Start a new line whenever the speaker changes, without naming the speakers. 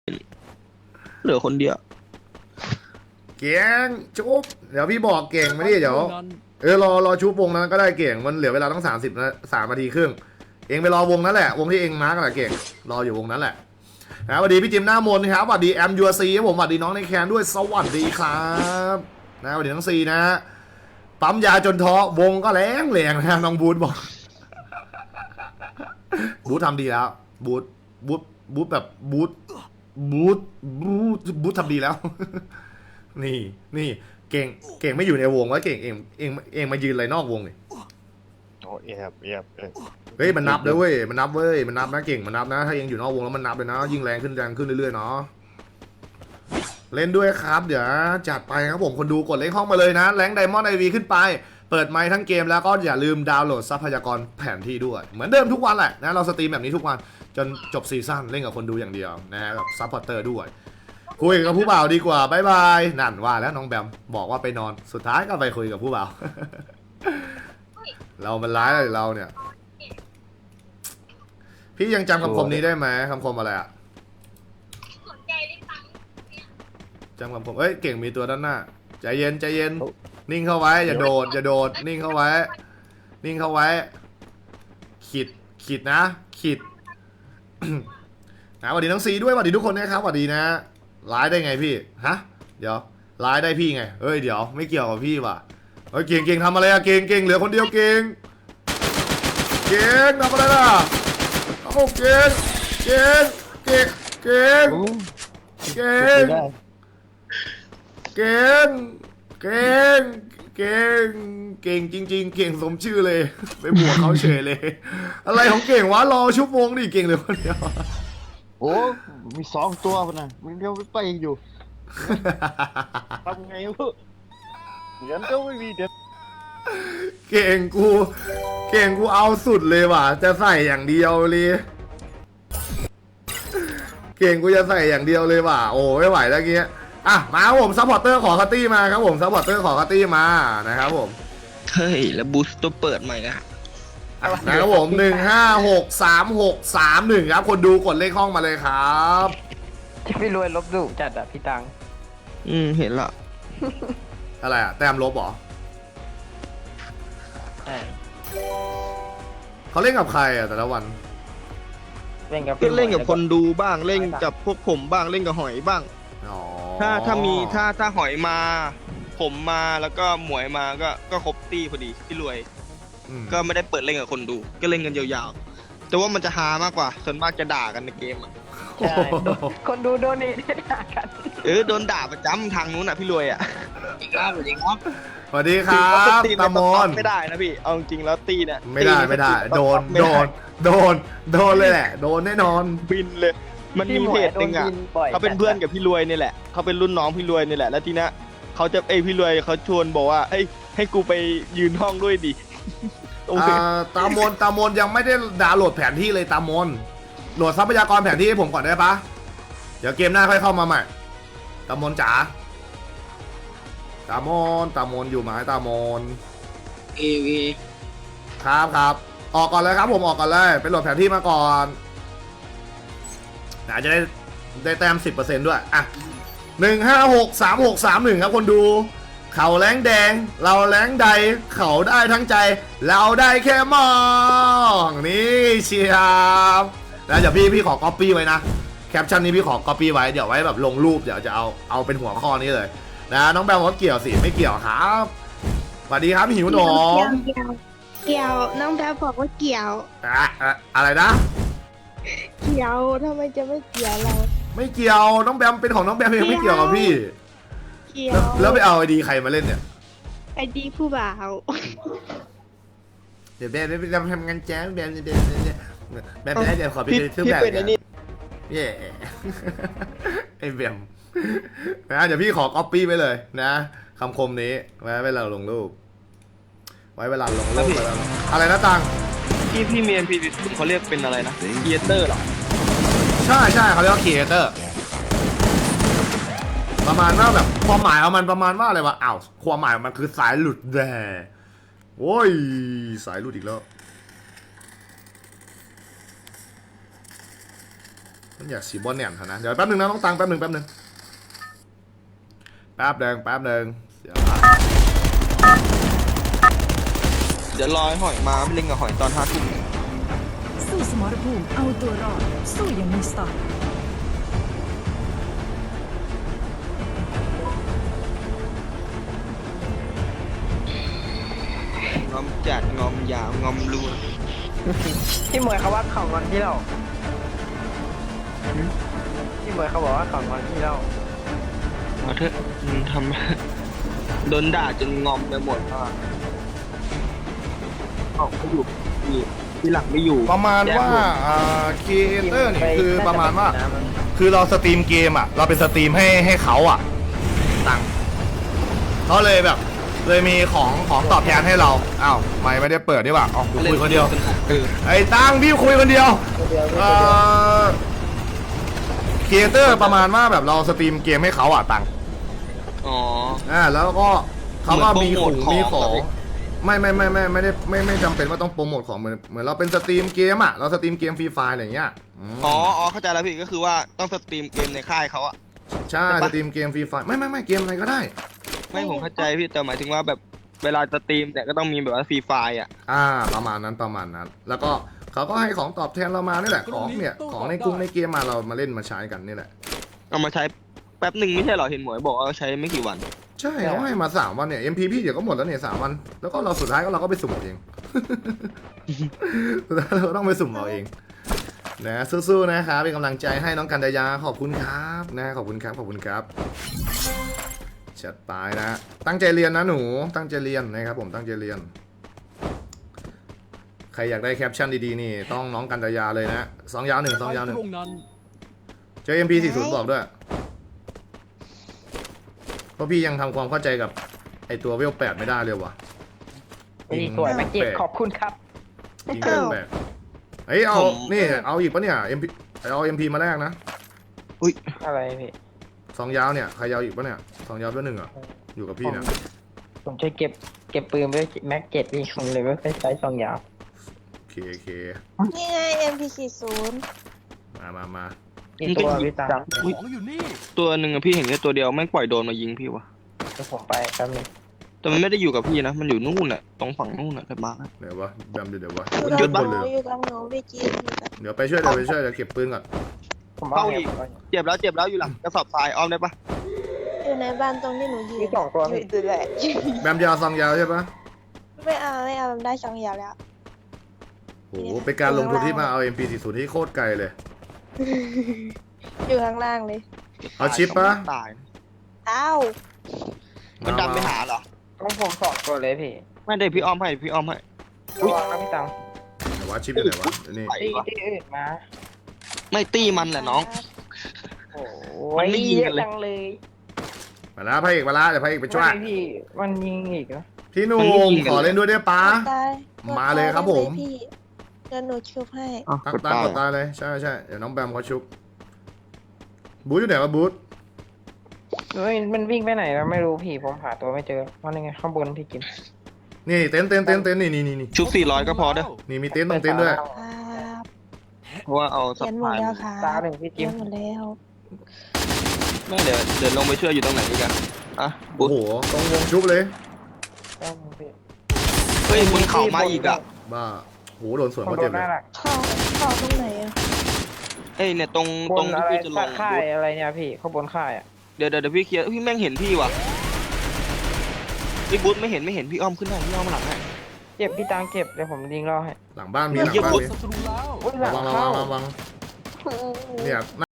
เหลือคนเดียว
เก่งชุบเดี๋ยวพี่บอกเก่งมาดิเดี๋ยวรอชุบวงนั้นก็ได้เก่งมันเหลือเวลาต้อง30นะ3 นาทีครึ่งเองไปรอวงนั้นแหละวงที่เองมาร์กแหละเก่งรออยู่วงนั้นแหละนะสวัสดีพี่จิมหน้ามนครับสวัสดีแอมยูซีครับผมสวัสดีน้องในแคนด้วยสวัสดีครับนะสวัสดีน้องซีนะปั๊มยาจนท้อวงก็แรงนะน้องบูธบอกบูธทำดีแล้วบูธแบบบูธทำดีแล้วนี่เก่งไม่อยู่ในวงว่าเก่งเองมายืนอะไรนอกวงเลย
โอ้เ
เฮ้ยมันนับเลยเว้ยมันนับนะเก่งมันนับนะถ้าเองอยู่นอกวงแล้วมันนับเลยนะยิ่งแรงขึ้นเรื่อยๆเนาะเล่นด้วยครับเดี๋ยวจัดไปครับผมคนดูกดเลขห้องมาเลยนะแรงไดมอนด์ไอวีขึ้นไปเปิดไมค์ทั้งเกมแล้วก็อย่าลืมดาวน์โหลดทรัพยากรแผนที่ด้วยเหมือนเดิมทุกวันแหละนะเราสตรีมแบบนี้ทุกวันจนจบซีซั่นเล่นกับคนดูอย่างเดียวนะฮะกับซัพพอร์เตอร์ด้วยคุยกับผู้บ่าวดีกว่าบายบายนั่นว่าแล้วน้องแบมบอกว่าไปนอนสุดท้ายก็ไปคุยกับผู้บ่าว เรามันร้ายอะไรเราเนี่ยพี่ยังจำคำคมนี้ได้ไหมคำคมอะไรอะจำคำคมเก่งมีตัวด้านหน้าใจเย็นนิ่งเข้าไว้อย่าโดดนิ่งเข้าไว้ขีดนะขีด สวัสดีน้องซีด้วยสวัสดีทุกคนนะครับสวัสดีนะร้ายได้ไงพี่ฮะเดี๋ยวร้ายได้พี่ไงเดี๋ยวไม่เกี่ยวกับพี่ว่ะเก่งทำอะไรอะเก่งเหลือคนเดียวเก่งทำอะไรล่ะโอ้เก่งจริงๆเก่งสมชื่อเลยไปบวกเขาเฉยเลยอะไรของเก่งวะรอชั่วโมงดิเก่งเหลือคนเดียว
โอ้มี2 ตัวพนะมันเดียวไปอยู่ทำไงวะเดี๋ยวก็ไม่มีเด็ด
เก่งกูเอาสุดเลยว่ะจะใส่อย่างเดียวเลยเก่งกูจะใส่อย่างเดียวเลยว่ะโอ้ไม่ไหวแล้วเงี้ยมาครับผมซัพพอร์เตอร์ขอคัตตี้มาครับผมซัพพอร์เตอร์ขอคัตตี้มานะครับผม
เฮ้ยแล้วบูสต์ตัวเปิดใหม่นะ
นะครับผม1563631ครับคนดูกดเลขห้องมาเลยครับ
ที่พี่รวยลบดุจัดอะพี่ตัง
เห็นละ
อะไรอะแต้มลบเหรอเขาเล่นกับใครอะแต่ละวัน
เล่นกับคนดูบ้างเล่นกับพวกผมบ้างเล่นกับหอยบ้างถ้าหอยมาผมมาแล้วก็หมวยมาก็ครบตีพอดีพี่รวยก็ไม่ได้เปิดเล่นกับคนดูก็เล่นกันยาวๆแต่ว่ามันจะฮามากกว่าส่วนมากจะด่ากันในเกม
ใช่คนดูโดนนี่ด่ากัน
โดนด่าประจำทางนู้นพี่รวย
สวัสดีครับตามอน
ไม่ได้นะพี่เอาจริงแล้วตีเนี่ย
ไม่ได้โดนเลยแหละโดนแน่นอน
บินเลยมันมีเพจหนึ่งเขาเป็นเพื่อนกับพี่รวยนี่แหละเขาเป็นรุ่นน้องพี่รวยนี่แหละแล้วทีนี้เขาจะพี่รวยเขาชวนบอกว่าให้กูไปยืนห้องด้วยดิ
ตามนยังไม่ได้ดาวน์โหลดแผนที่เลยตามนโหลดทรัพยากรแผนที่ให้ผมก่อนได้ปะเดี๋ยวเกมหน้าค่อยเข้ามาใหม่ตามนจ๋าตามนอยู่ไหมตามนครับออกก่อนเลยครับผมออกก่อนเลยไปโหลดแผนที่มาก่อนจะได้แต้ม 10% ด้วย1563631ครับคนดูเขาแรงแดงเราแรงใดเขาได้ทั้งใจเราได้แค่มองนี่เชียบแล้วเดี๋ยวพี่ขอก๊อปปี้ไว้นะแคปชั่นนี้พี่ขอก๊อปปี้ไว้เดี๋ยวไว้แบบลงรูปเดี๋ยวจะเอาเป็นหัวข้อนี้เลยนะน้องแบมว่าเกี่ยวสิไม่เกี่ยวครับสวัสดีครับหิวหนม
เกี่ยวน้องแบมบอกว่าเกี่ยว
อะไรนะ
เกี่ยวทำไมจะไม่เกี่ยวเรา
ไม่เกี่ยวน้องแบมเป็นของน้องแบมเองไม่เกี่ยวกับพี่แล้วไปเอาไอดีใครมาเล่นเนี่ย
ไอดีผู้บ่าว
เดี๋ยวแบมไปทำงานแจ้งแบมเดี๋ยวขอไปซื้อแบบไอแบมนะเดี๋ยวพี่ขอก๊อปปี้ไปเลยนะคำคมนี้ไว้เวลาลงรูปอะไรนะตัง
พี่เมียนพี่เขาเรียกเป็นอะไรนะครีเอเตอร์หรอ
ใช่เขาเรียกว่าครีเอเตอร์ประมาณว่าแบบความหมายของมันประมาณว่าอะไรวะความหมายมันคือสายหลุดแด่โอ้ยสายหลุดอีกแล้วอยากสีบอลแหนมเถอะนะเดี๋ยวแป๊บนึงนะต้องตังแป๊บนึงแป๊บนึงเสียละ
เดี๋ยวรอให้หอยมาไปเล่นกับหอยตอน5 ทุ่ม
สู้สมรภูมิเอาตัวรอด สู้อย่างมีสไตล์
งอมจัดงอมยาวงอมรัว
พี่มวยเขาว่าเขางอนที่เราพี่มวยเขาบอกว่าเขางอนที่เรา
เอาเถอะมันทำ โดนด่าจนงอมไปหมดอ่ะเอาเขาอยู่ที่หลังไม่อยู่
ประมาณว่าครีเอเตอร์นี่คือประมาณว่าคือเราสตรีมเกมอ่ะเราเป็นสตรีมให้เขาอ่ะตังเขาเลยแบบเลยมีของตอบแทนให้เราอ้าวไม่ได้เปิดดีกว่าอ๋อคุยคนเดียวไอ้ตังพี่คุยคนเดียวครีเอเตอร์ประมาณว่าแบบเราสตรีมเกมให้เขาอ่ะตัง
อ๋อ
แล้วก็เขาก็มี
เหมือนโปรโมท
มีของ
ของ
ไม่จำเป็นว่าต้องโปรโมทของเหมือนเราเป็นสตรีมเกมอ่ะเราสตรีมเกมฟรีไฟล์อะไรอย่างเงี้ยม
อ๋อเข้าใจแล้วพี่ก็คือว่าต้องสตรีมเกมในค่ายเขาอะ
ใช่
ใช่ปะ
สตรีมเกมฟรีไฟล์ไม่เกมอะไรก็ได้
ไม่ผมเข้าใจพี่แต่หมายถึงว่าแบบเวลาสตรีมแต่ก็ต้องมีแบบว่าฟรีไฟล์อะ
ประมาณนั้นแล้วก็เขาก็ให้ของตอบแทนเรามานี่แหละของเนี่ยของในกรุงในเกมมาเรามาเล่นมาใช้กันนี่แหละ
เอามาใช้แป๊บหนึ่งไม่ใช่เหรอเห็นหมวยบอกว่าใช้ไม่กี่วัน
ใช่เขาให้มา3 วันเนี่ย MP พี่เดี๋ยวก็หมดแล้วเนี่ย3 วันแล้วก็เราสุดท้ายก็เราก็ไปสุ่มเอาเอง สุดท้ายเราก็ต้องไปสุ่มเอาเองนะสู้ๆนะครับเป็นกำลังใจให้น้องกันดายาขอบคุณครับนะขอบคุณครับจัดไปนะตั้งใจเรียนนะหนูตั้งใจเรียนนะครับผมตั้งใจเรียนใครอยากได้แคปชั่นดีๆนี่ต้องน้องกันดายาเลยนะ2 ยาว 1 2 ยาว 1เจอ MP40 บอกด้วยเพราะพี่ยังทำความเข้าใจกับไอตัวเวล8ไม่ได้เลยว่ะ
พี่สวยแม็กเก็ตขอบคุณครับ
ยิงเวล8เฮ้ยเอานี่เอาอีกปะเนี่ย MP เอา MP มาแรกนะ
อะไรพี่
2 ยาวเนี่ยใครยาวอีกปะเนี่ย2 ยาวด้วย1อ่ะอยู่กับพี่เนี่ย
ผมจะเก็บปืนไว้แม็กเก็ตพี่ผมเลยไม่ค่อยใช้ซองยาว
โอเค
นี่ไง MP40
มา
นี่ตัวพี่ตัง
อุ๊ยตัวหนึ่งอะพี่เห็นแค่ตัวเดียวแม่งปล่อยโดนมายิงพี่วะ
เดี๋ยวผมไปแป๊บนึง
แต่มันไม่ได้อยู่กับพี่นะมันอยู่นู่นอะตรงฝั่งนู่นอะแต่มาแล้ว
เดี๋ยววะแบมเดี๋ยววะ
อยู่กับ
บน
ห
เล
นู
ย
อยู่กับหนูพี่จีนอยู่กับ
เดี๋ยวไปช่วยเดี๋ยวเก็บปืนก่อน
ผมเอาเนี่ย
เจ็บแล้วอยู่หลังกระสอบทรายอ้อมได้ปะ
อยู่ในบ้านตรงที่หนูยืน
มี2 ตัว
อ
พี่
ยู่แหละ
แบมยาว2 ยาวใช่ปะ
ไม่เอามันได้2 อย่างแล้ว
โอ้โหเป็นการลงทุนที่มาเอา MP40 ที่โคตรไกลเลย
อยู่ข้างล่างเลย
เอาชิปปะ
ตาย
อ้าว
มันดันไปหาเหรอ
ต้องผม2 ตัวเลยพี่
ไม่ได้พี่อ้อมให้
ระวังนะพี่ตัง
ไหนวะชิปอยู่ไหนวะนี่
ไป
ที่อื่นมา
ไม่ตีมันแหละน้อง
โอ้
มัน
ย
ไม่ยิง
เย
กั
อะ
นเลย
จังเลย
มาแล้วพระเอกมาแล้วเดี๋ยวพระเอกไปช่วย
ไม่พี่มันยิงอีกนะ
พี่หนุ่มขอเล่นด้วยได้ปะ
ตาย
มาเลยครับผม
พี่เดี๋ยวหนูชุบให้
ตั้งกดตายเลยใช่เดี๋ยวน้องแบมเขาชุบบูธอยู่ไหนวะบูธ
เฮ้ยมันวิ่งไปไหนแล้วไม่รู้พี่ผมหาตัวไม่เจอว่ายังไงข้างบนพี่กิน
นี่เต็นท์นี่
ชุบ400ก็พอเด้อ
นี่มีเต็นท์ตรงเต็นท์ด้วย
ครับ
เพราะว่าเอาสั
เขี
บ
ยนหมด
พาย
แล้วค่ะ
ตาหนึ่งพี่
เขี
กิ
ย
ม
นหมดแล้ว
ไม่เดี๋ยวลงไปช่วยอยู่ตรงไหนด้วยกันอ่ะ
โอ้โหตรงวงชุบเลย
ต้องพี่
เฮ้ยบนเขามาอีกอ่ะ
บ้าโหโดนสวน
ผม
เขา
โด
เจ็บ
น
เล
หน้าย หลัก
เข้าตรงไหนอ่ะ
เอ้ยเนี่ยตรง
บนอะไร
ที่จะลง
ค่ายอะไรเนี่ยพี่ข้างบนค่ายอ่ะ
เดี๋ยวพี่เคลียร์พี่แม่งเห็นพี่ว่ะพี่บุ๊ทไม่เห็นพี่อ้อมขึ้นได้พี่อ้อมมาหลังให้
เจ็บพี่ตังเจ็บเดี๋ยวผมยิงรอให้
หลังบ้านมี
อุ๊ย
อุ๊ยหลัง
ระวัง
เข้า
ระวังเนี่ย